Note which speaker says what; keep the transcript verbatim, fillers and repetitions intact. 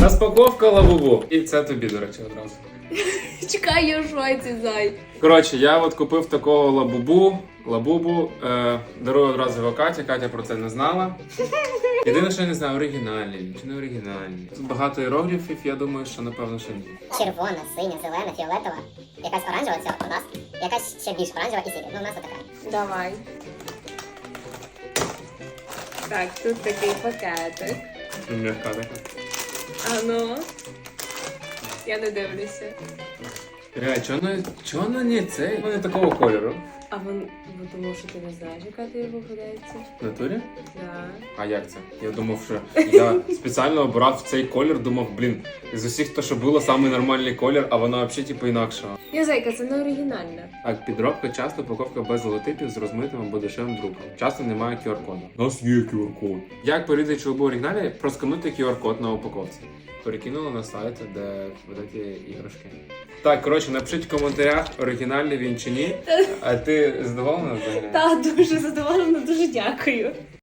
Speaker 1: Розпаковка лабубу. І це тобі, до речі, одразу.
Speaker 2: Чекай, я в шоці, зай.
Speaker 1: Коротше, я от купив такого лабубу, лабубу, е, дарую одразу його Каті, Катя про це не знала. Єдине, що я не знаю, оригінальний чи не оригінальний. Тут багато іерогліфів, я думаю, що напевно, що ні.
Speaker 3: Червона, синя, зелена, фіолетова, якась оранжева, це у нас, якась ще більш оранжева і синя. Ну, у нас така.
Speaker 2: Давай. Так, тут такий пакетик.
Speaker 1: М'яка така.
Speaker 2: А ну. Я не дивлюся.
Speaker 1: Реально, чого воно, чого воно не цей? Воно не такого кольору.
Speaker 2: А вон, бо тому що ти не знаєш, яка ти його подається.
Speaker 1: В натурі?
Speaker 2: Да.
Speaker 1: А як це? Я думав, що я спеціально обрав цей колір, думав, блін, з усіх то, що було, самий нормальний колір, а воно взагалі типу інакшого.
Speaker 2: Я зайка, це не оригінальна.
Speaker 1: Так, підробка часто упаковка без логотипів з розмитим або дешевим друком. Часто немає ку ар-коду. У нас є ку ар-код. Як порізати чоловіку оригіналі? Проскануйте ку ар-код на упаковці. Перекинула на сайт, де видаті іграшки. Так, коротше, напишіть в коментарях, оригінальний він чи ні. А ти задоволена взагалі?
Speaker 2: Так, дуже задоволена, дуже дякую.